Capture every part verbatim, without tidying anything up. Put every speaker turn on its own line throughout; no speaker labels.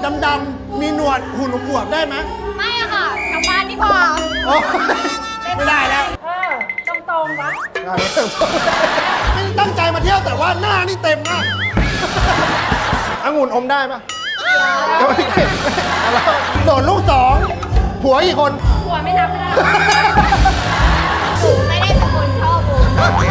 ดำๆมีหนวดหุ่นอวบได้ไหม
ไม่อะค่ะกลับบ้านดีกว่า
ไม่ได้แล้ว
เออตรงตรงปะ
ไม่ตั้งใจมาเที่ยวแต่ว่าหน้านี่เต็มมากองุ่นอมได้ปะก็ไม่เก็บส่วนลูกสองผัวกี่คน
ผัวไม่นับไม่ได้ผมไม่ได้เป็นคนชอบผม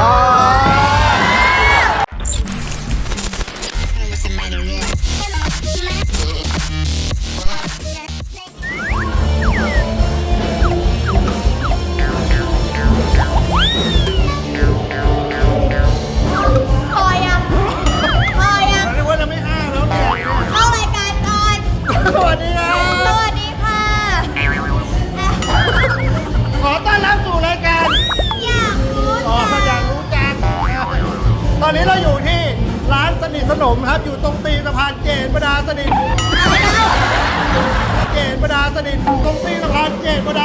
ตอนนี้เราอยู่ที่ร้านสนิทสนมครับอยู่ตรงตีนสะพานเจนประดาสนิทเจนประดาสนิทตรงตีนสะพานเจนประดา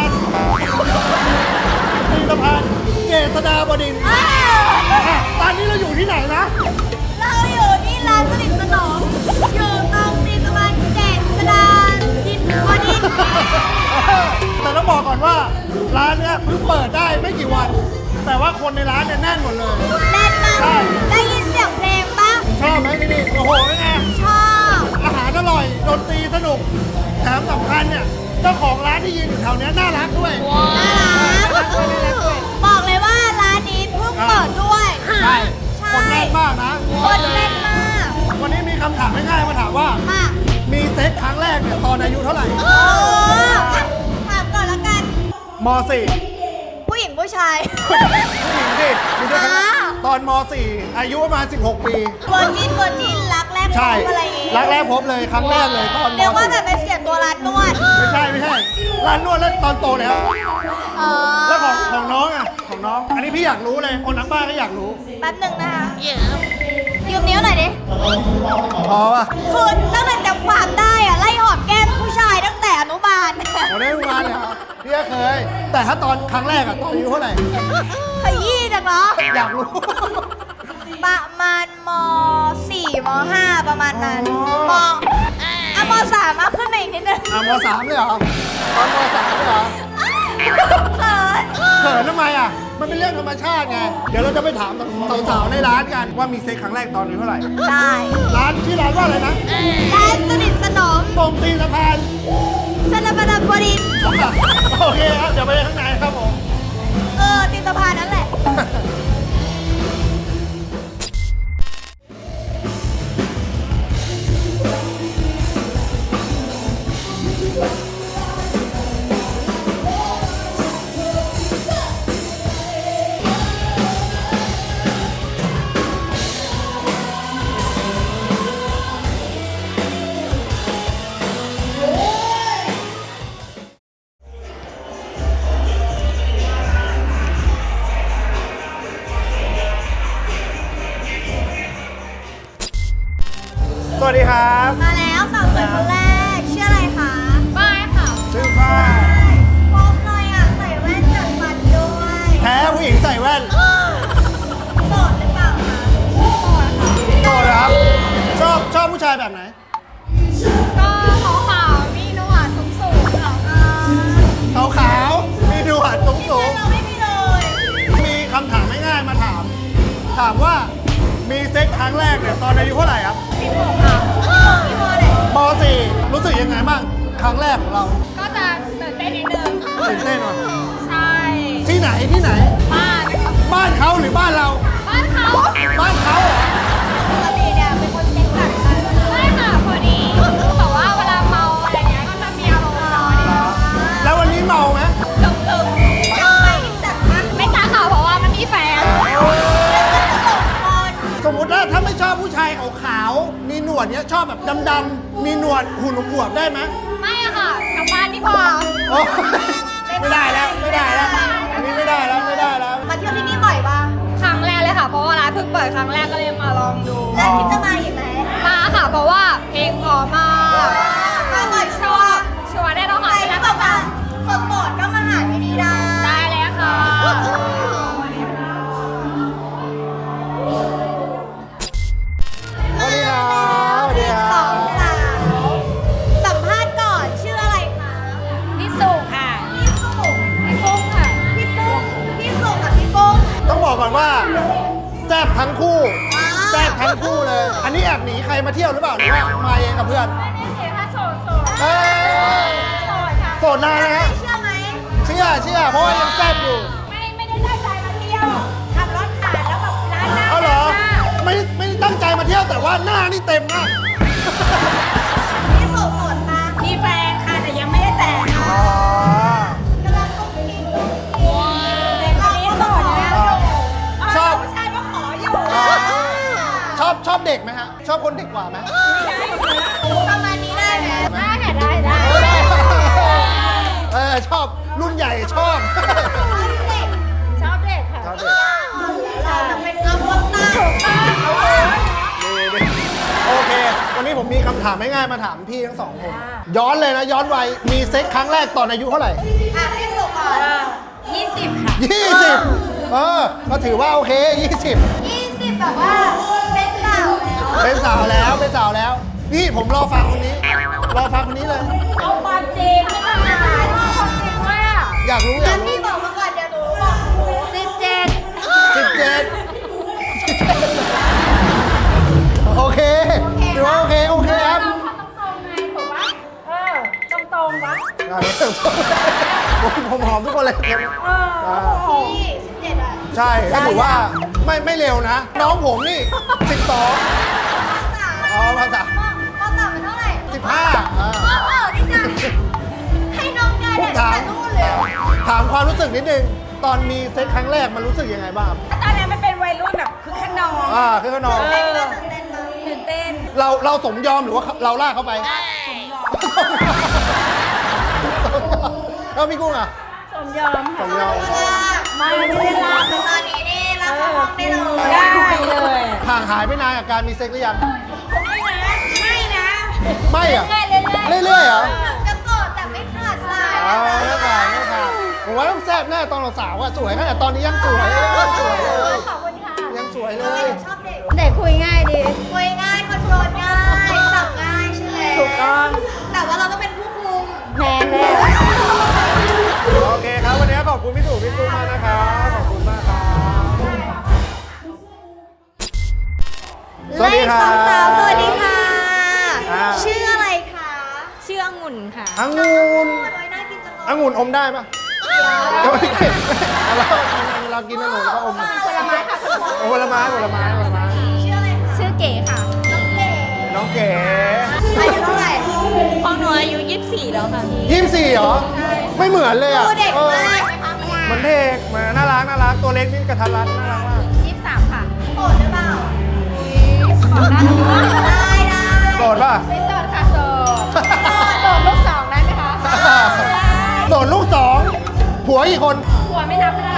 ตีนสะพานเจษฎาบดินทร์ตอนนี้เราอยู่ที่ไหนนะ
เราอยู่ที่ร้านสนิทสนมอยู่ตรงตีนสะพานเจษฎาดินบดินทร์
แต่ต้องบอกก่อนว่าร้านเนี้ยเพิ่งเปิดได้ไม่กี่วันแต่ว่าคนในร้านเนี่ยแน่นหมดเลย
แน่นมากได้ยินเสียงเพลงปะ
ชอบไหมที่นี่โอ้โหไง
ชอบ
อาหารอร่อยดนตรีสนุกแถมสำคัญเนี่ยเจ้าของร้านที่ยืนอยู่แถวนี้น่ารักด้วย
น่ารักบอกเลยว่าร้านนี้เพิ่งเปิดด้วย
ใช่คนแน่นมากนะ
คนแน่นมาก
วันนี้มีคำถามง่ายๆมาถามว่ามีเซ็กครั้งแรกเนี่ยตอนอายุเท่าไหร่
ถามก่อนแล้วกัน
ม.สี่
ผู้หญิงผู้ชาย
ผู้หญิงสิมีด้วยกันตอนม.สี่อายุประมาณสิบหกปี
เวอร์จินเวอร์จินรักแรกพบอะไรอย่างงี้
รักแรกพบเลยครั้งแรกเลยตอน
เรียกว่าแบบเป็นเสียตัวร้านนวด
ไม่ใช่ไม่ใช่ร้านนวดแล้วตอนโตแล้วแล้วของของน้องอ่ะของน้องอันนี้พี่อยากรู้เลยคนทั้งบ้านก็อยากรู้
แป๊บหนึ่งนะคะยืมนิ้วหน่อยดิ
พอป่ะ
คือตั้งแต่จำความได้อะไล่หอมแก้มผู้ชายตั้งแต่อนุบาล
โอ้ได้อนุบาลเลยครับพี่ก็เคยแต่ถ้าตอนครั้งแรกอะตอนอายุเท่าไหร่
ขยี้จังเหรอ
อยากรู้
ประมาณม.สี่ ม.ห้า ประมาณนั้นม.อ่ะม.สามมาขึ้นมาอีกนิดนึง
อ่ะม.สามเลยเหรอตอนม.สามเลยเหรอ
เขิน
เขินทำไมอ่ะมันเป็นเรื่องธรรมชาติไงเดี๋ยวเราจะไปถามสาวๆในร้านกันว่ามีเซ็กครั้งแรกตอนอายุเท่าไหร่
ได้
ร้านชื่อร้านว่าอะไรนะ
ร้านสนิทสนม
ตรงตีนสะพาน
สนามบดินทร์
โอเคครับเดี๋ยวไปข้างในครับผม
เออตีนสะพานนั่นแหละ
สวัสดีครับ
มาแล้วสาวสวยคนแรกชื่ออะไรคะฝ้ายค่ะ
ชื่อฝ้าย
พบหน่อยอ่ะใส่แว่นจัดฟันด้วย
แพ้ผู้หญิงใส่แว่น
โสดหรือเปล่าคะโสดค่ะ
โสดครับชอบชอบผู้ชายแบบไหน
ก็ขาวขาวมีหนวดสูงสูงค่ะ
ขาวขาวมีหนวดสูงสูง
เราไม่มีเลย
มีคำถามง่ายๆมาถามถามว่ามีเซ็กครั้งแรกเนี่ยตอนอายุเท่าไหร่ครับ
สิบหกค่ะที่มอไหน
ม.สี่รู้สึกยังไงบ้างครั้งแรกของเรา
ก็จะตื่นเต้นนิดนึง
ตื่นเต้นหน่อย
ใช่
ที่ไหนที่ไหน
บ้านนะคะ
บ้านเขาหรือบ้านเรา
บ้านเขา
บ้านเขาเหรอ
ปกติเนี่ยเป็นคนเซ็กกัดกันไม่ค่ะพอดีแต่ว่าเวลาเมาอะไรเงี้ยก็จะมีอารมณ์ร้อน
แล้ววันนี้เมาไหม
ตึงตึงไม่จัดนะไม่กล้าค่ะเพราะว่ามันมีแฟน
สมมติว่าถ้าไม่ชอบผู้ชายขาวๆมีหนวดเนี้ยชอบแบบดำๆมีหนวดหุ่นอวบได้ไหม
ไม่อะค่ะกลับบ้านดีกว่า
ไม่ได้แล้วไม่ได้แล้วอันนี้ไม่ได้แล้วไม่ได้แล้ว
มาเที่ยวที่นี่บ่อยปะครั้งแรกเลยค่ะเพราะว่าร้านเพิ่งเปิดครั้งแรกก็เลยมาลองดูแล้วคิดจะมาอีกไหมมาค่ะเพราะว่าเพลงพอมากมาบ่อยชัวร์ชัวร์ได้ต้องหาที่นั่นต่อมาสดๆก็มาหาที่นี่ได้ได้เลยค่ะ
สวัสดีครับสวัสดีครับดหนีใครมาเที่ยวหรือเปล่าหรือว่ามาเองกับเพื่อน
ไม่ได้เสียค่าโสดโสด
เอ้ย
โสดค่ะ
โสดนานนะฮะ
เชื่อไหม
เชื่อเชื่อเพราะว่ายังแซ่บอยู่
ไม่ไม่ได้ตั้งใจมาเที่ยวขับรถผ่านแล้วแบบร้านหน้า
เอาเหรอ
หน้า
ไม่ไม่ได้ตั้งใจมาเที่ยวแต่ว่าหน้านี่เต็มมาก
นี่โสดโสดมามีแฟนค่ะแต่ยังไม่ได้แต่ง
อ๋อก
ำลังกุ้งกิ้งกุ้งกิ้งแต่ตอนนี้โสดนะ
ชอบ
ผู้ชายมาขออยู่
ชอบชอบเด็กไหมฮะ ชอบคนเด็กกว่าไหม
ประมาณนี้ได้ไหมได้ค่ะได้ได้
เออชอบรุ่นใหญ่ชอบ
ชอบเด็กค่ะ
ชอบเด็ก
เราจะเป็นอัพวัตตาถูกต้อง
ดีดีโอเค วันนี้ผมมีคำถามง่ายๆมาถามพี่ทั้งสองคน ย้อนเลยนะ ย้อนวัยมีเซ็กครั้งแรกตอนอายุเท่าไหร่
อ่ะให้สุกก่อนยี่สิบค่ะ
ยี่สิบเออ ก็ถือว่าโอเคยี่สิบ
ยี่สิบแบบว่าเป็นสาวแล้ว
เป็นสาวแล้วเป็นสาวแล้ว นี่ผมรอฟังคนนี้ รอฟังคนนี้เลย
เอาความจริงไม่ต้องมาเอาความจริงว่า
อยากรู้อยา
งั้
ก
น
รู้
พี่บอกมาก่อนเดี๋ยวหนูบอกหนูสิบเจ็ด
สิบเจ็ดโอเคถือว่าโอเค โอเคครับ
เราเขาต้องตรงไงถูกปะเออตรงตรงๆปะ
ผมผมหอมทุกคนเลย
เออพี่สิบเจ็ดอ่ะ
ใช่ก็ถือว่าไม่ไม่เร็วนะ น้องผมนี่สิบสอง
สาม
อ๋อภาษา
มอมอสามเป็นเท่าไหร่
สิบห้าอ่า
มอเออนี่จ้ะให้น้องกายเนี่ยตั้งแต่นู่นเลย
ถามความรู้สึกนิดนึง ตอนมีเซ็กครั้งแรกมันรู้สึกยังไงบ้างครับ
ตอนนั้นมันเป็นวัยรุ่นแบบคือขนอง
อ่าคือขนอง
เต้นก็ตื่นเต้นมาตื่นเต้น
เราเราสมยอมหรือว่าเราลากเข้าไป แล้วพี่กุ้งอ่ะ
สมยอม
สมยอม
ไม่ได้ลาตอนนี้นี่ลาเข้าห้องได้เลยได้เลย
ห่างหายไปนานกับการมีเซ็กหรือยัง
ไม่นะไม่นะ
ไม่อ่ะ
เรื่อยๆ
เรื่อยๆเหรอ
จะโสดแต่ไม่ขาดสาย
อ่าไม่ขาดไม่ขาดผมว่าต้องแซ่บแน่ตอนเราสาวอ่ะสวยขนาดตอนนี้ยังสวยยังสวยเลย
ขอบคุณค่ะ
ยังสวยเลย
ชอบเด็กเด็กคุยง่ายดีคุยง่ายคอนโทรลง่ายสับง่ายใช่ไหมถูกต้องแต่ว่าเราต้องเป็นผู้คุมแมนเลย
โอเคครับวันนี้ขอบคุณพี่ตู่พี่กุ้งมากนะครับขอบคุณมากครับสวัสดีครับ
สาวสวัสดีค่ะ
อ่า
ชื่ออะไรคะชื่อองุ่นค่ะ
องุ่น
โอ้ยน่ากินจังเลย
องุ่นอมได้ปะก็ไม่เก็บเราเรากินองุ่นแล้วก็อม
ผลไม้ค่ะ
ผลไม้ผลไม้ผลไม้
ชื่ออะไรคะชื่อเก๋ค่ะน้องเก๋
น้องเก๋
อายุเท่าไหร่ของหนูอายุยี่สิบสี่แล้วค่ะพี่
ยี่สิบสี่เหรอ ไม่เหมือนเลยอ่ะ
ดูเด็ก
เออ
มาก
มันเด็กมาน่ารักน่ารักตัวเล็กนี่กระทัดรัดน่ารักมาก
ยี่สิบสามค่ะโสดหรือเปล่าขอได้ได้ได้
โสดป่ะ
ไม่โสดค่ะโสดโสดลูกสองได้ไหมคะ
โสดลูกสองผัวกี่คน
หัวไม่นับไม่ได้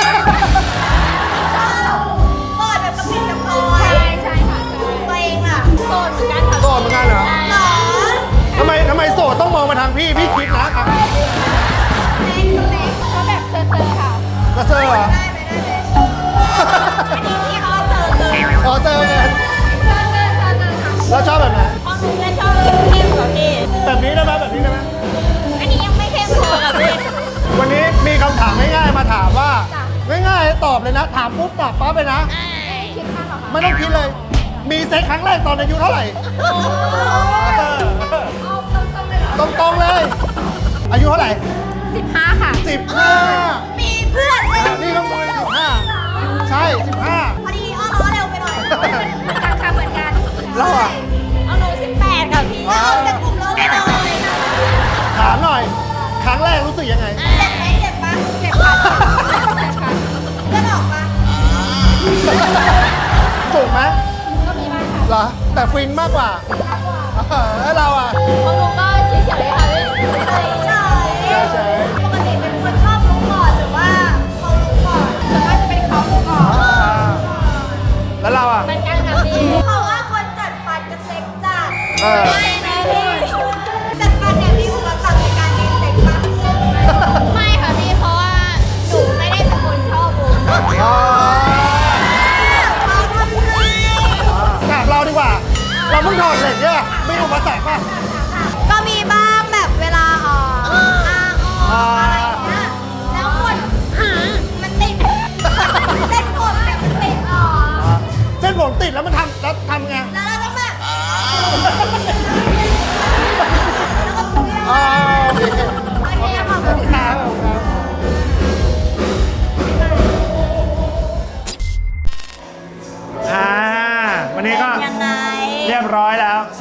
โสดแบบกระปิดกระปอยใช่ใช่ค่ะตัวเองอ่ะโสดเหมือนกันค่ะ
โสดเหมือนกันเหรอ
หรอ
ทำไมทำไมโสดต้องมองมาทางพี่พี่คิดนะอ่ะ
เล็กเล็กเขาแบบเซอร์เซอร์ค่ะ
กระเซอร์เหรอ
ได้ไหมได้ไหมอันนี้ที่เขาเซอร์เซอร์
อ๋อเซอร์เงิน
เซอร์เซอร์เซอร์เซอร์ค่ะ
แล้วชอบแบบไหน
ของหนูจะชอบเข้มๆกว่าพี่
แบบนี้ได้ไหมแบบนี้ได้ไหม
อันนี้ยังไม่เข้มพอค่ะพี่
วันนี้มีคำถามง่ายๆมาถามว่าง่ายๆตอบเลยนะ ถามปุ๊บตอบปั๊บเลยนะ
คิดค่าหรอคะ
ไม่ต้องคิดเลย มีเซ็กครั้งแรกตอนอายุเท่าไหร่เออ
เอาตรงๆเลยเหรอ
ตรงๆเลย อายุเท่าไหร่
สิบห้าค่ะ
สิบห้า
มีเพื่อนเลย
นี่ก็มวยสิบห้าใช่สิบห้า
พอดีอ้อล้อเร็วไปหน่อยเหมือนกันค่ะเหมือนกัน
เราอะ
เอาหนูสิบแปดค่ะพี่เอาแต่กลุ่มเราไม่น้อย
ถามหน่อย ครั้งแรกรู้สึกยังไง
เจ็บไหมเจ็บปะเจ็บค่ะเจ็บค่ะเลือดออกปะ
ถูกไหม
ก็มีบ้างค่ะ
เหรอ แต่ฟินมากกว่าเออแล้วเราอ่ะ
ของหนูก็เฉยๆค่ะพี่เฉยๆปกติเป็นคนชอบรู้ก่อนหรือว่าเขารู้ก่อนส่วนมากจะเป็นเขารู้ก่อน
แล้วเราอ่ะ
เหมือนกันค่ะพี่เพราะว่าคนจัดฟันจะเซ็กจัด
เออ
ไม่นะพี่จัดฟันเนี่ยมีอุปสรรคในการมีเซ็กปะไม่ค่ะพี่เพราะว่าหนูไม่ได้เป็นคนชอบบุญ
อ๋อ
เขาทำให้
ถามเราดีกว่า เราเพิ่งถอดเหล็กเนี่ยไม่อุปสรรคป่ะ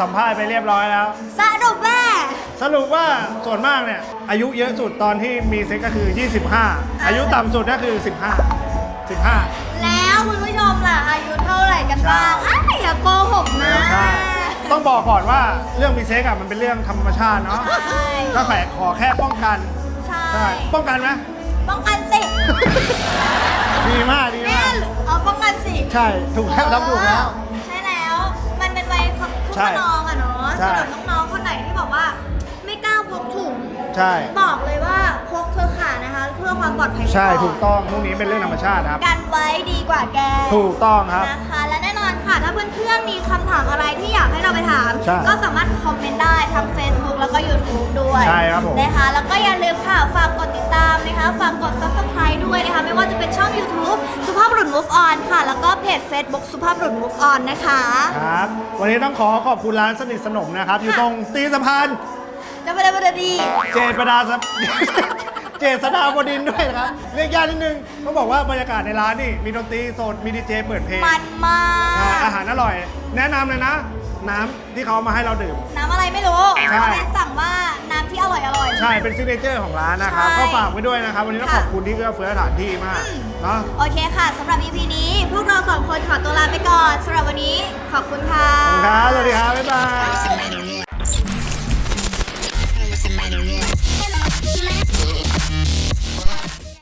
สัมภาษณ์ไปเรียบร้อยแล้ว
สรุปว่า
สรุปว่าส่วนมากเนี่ยอายุเยอะสุดตอนที่มีเซ็กก็คือ ยี่สิบห้า อายุต่ำสุดก็คือ สิบห้า สิบห้า
แล้วคุณผู้ชมล่ะอายุเท่าไหร่กันบ้างอ้าวอย่าโกหกนะ
ใช่ต้องบอกก่อนว่าเรื่องมีเซ็กอะมันเป็นเรื่องธรรมชาติเนาะ
ใช่
ก็แค่ขอแค่ป้องกัน
ใช่
ใช่ป้องกันไหม
ป้องกันสิ
ดีมากดี
แม่
มาก
เอาป้องกันสิ
ใช่ถูกแล้วทำถูกแล้ว
ใช่แล้ว มันเป็นวัยคึก
ใช่
ขนองอะเนาะ
ใช่
สำหรับน้องๆคนไหนที่บอกว่า ไม่กล้าพกถุง
ใช่
บอกเลยว่าพกเธอะค่ะนะคะ เพื่อความปลอดภัย
ใช่
ไว้น
ถูกต้องพวกนี้เป็นเรื่องธรรมชาติครับ
กันไว้ดีกว่าแก
ถูกต้องครับ
นะคะและแน่นอนค่ะ ถ้าเพื่อนๆมีคำถามอะไรที่อยากให้เราไปถาม
ใช่
ก็สามารถคอมเมนต์ได้ทั้ง Facebook แล้วก็ YouTube ด้วย
ใช่ครับผม
นะคะแล้วก็อย่าลืมค่ะ ฝากกดติดตามนะคะฝากกด Subscribe ด้วยนะคะ ไม่ว่าจะเป็นช่อง YouTube สุภาพบุรุษ Move On ค่ะ แล้วก็เพจ Facebook สุภาพบุรุษ Move On นะคะ
ครับ วันนี้ต้องขอขอบคุณร้านสนิทสนมนะครับ อยู่ตรงตีนสะพาน
จะไม่ได้ไม่ได้ดี
เจษฎาสะ เจษฎาบดินทร์ด้วยนะครับ เรียกยากนิดนึงต้องบอกว่าบรรยากาศในร้านนี่มีดนตรีสดมีดีเจเปิดเพลง
มันมา
ใช่
ก
อาหารอร่อย แนะนำเลยนะ น้ำที่เขาเอามาให้เราดื่ม
น้ำอะไรไม่รู้
ใช่
แม่สั่งว่าน้ำที่อร่อยอร่อย
ใช่เป็นซิกเนเจอร์ของร้านนะครับ
ใช่
ก็ฝากไว้ด้วยนะครับ วันนี้ต้อง
ค่ะ
ขอบคุณที่เอื้อเฟื้อสถานที่มาก
อืม
เนาะ
โอเคค่ะสำหรับ อี พี นี้ พวกเราสองคนขอตัวลาไปก่อนสำหรับวันนี้ขอบคุณค่ะ
ขอบคุณครับสวัสดีครับ บ๊ายบาย